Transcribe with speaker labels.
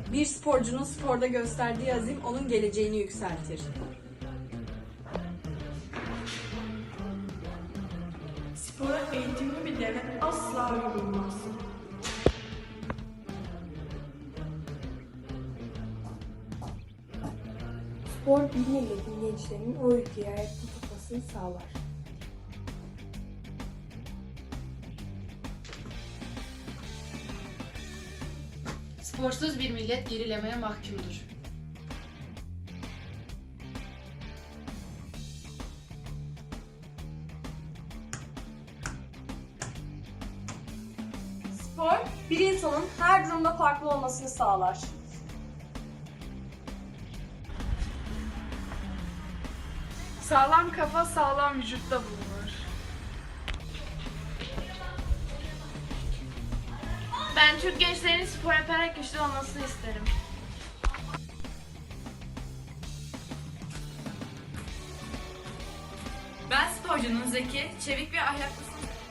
Speaker 1: Bir sporcunun sporda gösterdiği azim onun geleceğini yükseltir.
Speaker 2: Spora eğitimli bir devlet asla yorulmaz.
Speaker 3: Spor bir milletin gençlerinin o ülkeyi ayakta tutmasını sağlar.
Speaker 4: Sporsuz bir millet gerilemeye mahkumdur.
Speaker 5: Spor, bir insanın her durumda farklı olmasını sağlar.
Speaker 2: Sağlam kafa sağlam vücutta bulunur.
Speaker 4: Ben Türk gençlerinin spor yaparak güçlü olmasını isterim.
Speaker 6: Ben sporcunun zeki, çevik ve ahlaklısını